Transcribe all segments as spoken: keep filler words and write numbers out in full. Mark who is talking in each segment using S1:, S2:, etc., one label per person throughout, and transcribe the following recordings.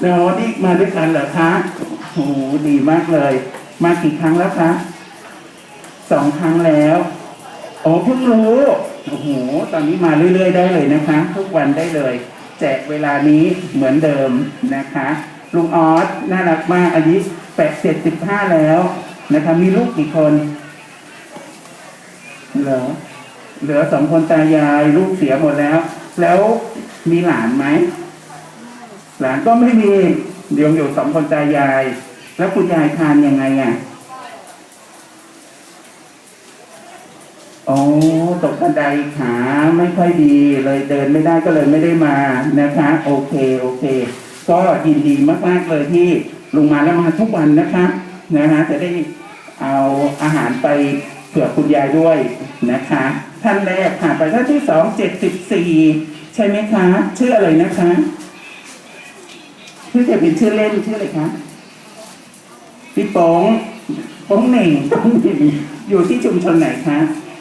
S1: เรานี่มาด้วยกันเหรอคะโอ้โหดีมากเลย มากี่ครั้งแล้วคะสองครั้งแล้วโอ้เพิ่งรู้โอ้โหตอนนี้มาเรื่อยๆได้เลยนะคะ ทุกวันได้เลย แจกเวลานี้เหมือนเดิมนะคะลุงออสน่ารักมากอายุแปดเจ็ดสิบห้าแล้วนะคะมีลูกกี่คนเหลือเหลือสองคนตายายลูกเสียหมดแล้ว แล้วมีหลานไหมหลานก็ไม่มีเดี๋ยวอยู่สองคนตายายแล้วคุณยายทานยังไงอ่ะอ๋อตกบันไดขาไม่ค่อยดีเลยเดินไม่ได้ก็เลยไม่ได้มานะคะโอเคโอเคก็ยินดีมากๆเลยที่ลุงมาแล้วมาทุกวันนะคะนะฮะจะได้เอาอาหารไปเผื่อคุณยายด้วยนะคะท่านแรกผ่านไปท่านที่สองเจ็ดสิบสี่ใช่ไหมคะชื่ออะไรนะคะชื่อจะเป็นชื่อเล่นชื่ออะไรคะพี่ป๋องป๋องเหน่งป๋องเหน่งอยู่ที่ชุมชนไหนคะ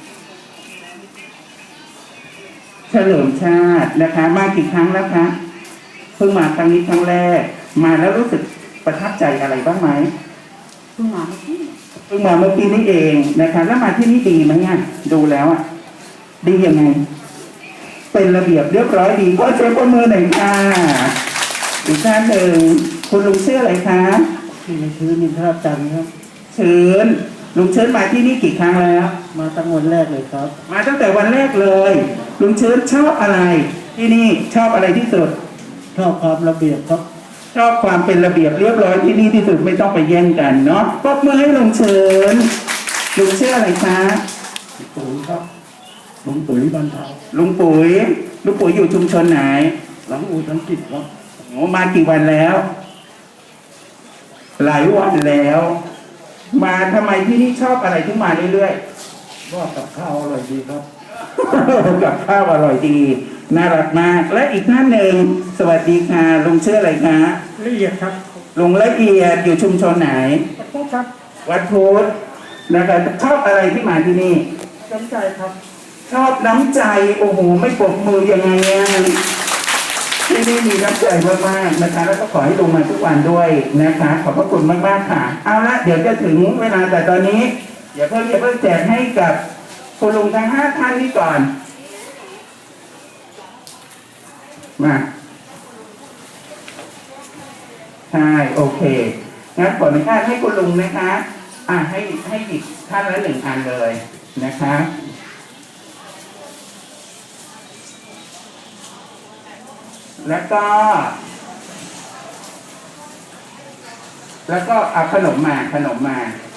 S1: เฉลิมชาตินะคะมากี่ครั้งแล้วคะเพิ่งมาครั้งนี้ครั้งแรกมาแล้วรู้สึกประทับใจอะไรบ้างไหม
S2: เพิ่งมาเมื่อกี้
S1: เพิ่งมาเมื่อกี้นี่เองนะคะแล้วมาที่นี่ดีไหมเนี่ยดูแล้วอ่ะดียังไงเป็นระเบียบเรียบร้อยดีก็เช็คข้อมือหน่อยค่ะอีกท่านหนึ่งคุณลุงชื่ออะไรคะ
S2: ที่ในชื้นนินทราจันทร์ครับ
S1: เชิญลุงเชิญมาที่นี่กี่ครั้งแล้ว
S2: มาตั้งวันแรกเลยครับ
S1: มาตั้งแต่วันแรกเลยลุงเชิญชอบอะไรที่นี่ชอบอะไรที่สุด
S2: ชอบความระเบียบครับ
S1: ชอบความเป็นระเบียบเรียบร้อยที่นี่ที่สุดไม่ต้องไปแย่งกันเนาะปรบมือให้ลุงเชิญลุงชื่ออะไรคะ
S2: ปุ๋ยครับลุงปุ๋ยบ้านเทา
S1: ลุงปุ๋ยลุงปุ๋ยอยู่ชุมชนไหน
S2: หลังอู่ทั้งกิจครับ
S1: โอ้มากี่วันแล้วหลายวันแล้ว มาทำไมที่นี่ชอบอะไรที่มาเรื่อย
S2: ๆว่ากับข้าวอร่อยดีครับ
S1: กับข้าวอร่อยดีน่ารักมากและอีกท่านหนึ่งสวัสดีค่ะลุงชื่ออะไรคะ
S2: ละเอียดครับ
S1: ลุงละเอียดอยู่ชุมชนไหน
S2: วัดพุทธครับ
S1: วัดพุทธนะครับชอบอะไรที่มาที่นี่
S2: น้ำใจครับ
S1: ชอบน้ำใจโอ้โหไม่ปรบมือยังไงอ่ะที่นี่มีน้ำใจมากๆนะคะแล้วก็ขอให้ลงมาทุกวันด้วยนะคะขอบพระคุณมากๆค่ะเอาละเดี๋ยวจะถึงเวลาแต่ตอนนี้อย่าเพิ่งอย่าเพิ่งแจกให้กับคุณลุงทั้งห้าท่านนี้ก่อนมาใช่โอเคงั้นขออนุญาตให้คุณลุงนะคะอ่ะให้ให้หยิบท่านละหนึ่งอันเลยนะคะแล้วก็แล้วก็เอาขนมมาขนมมา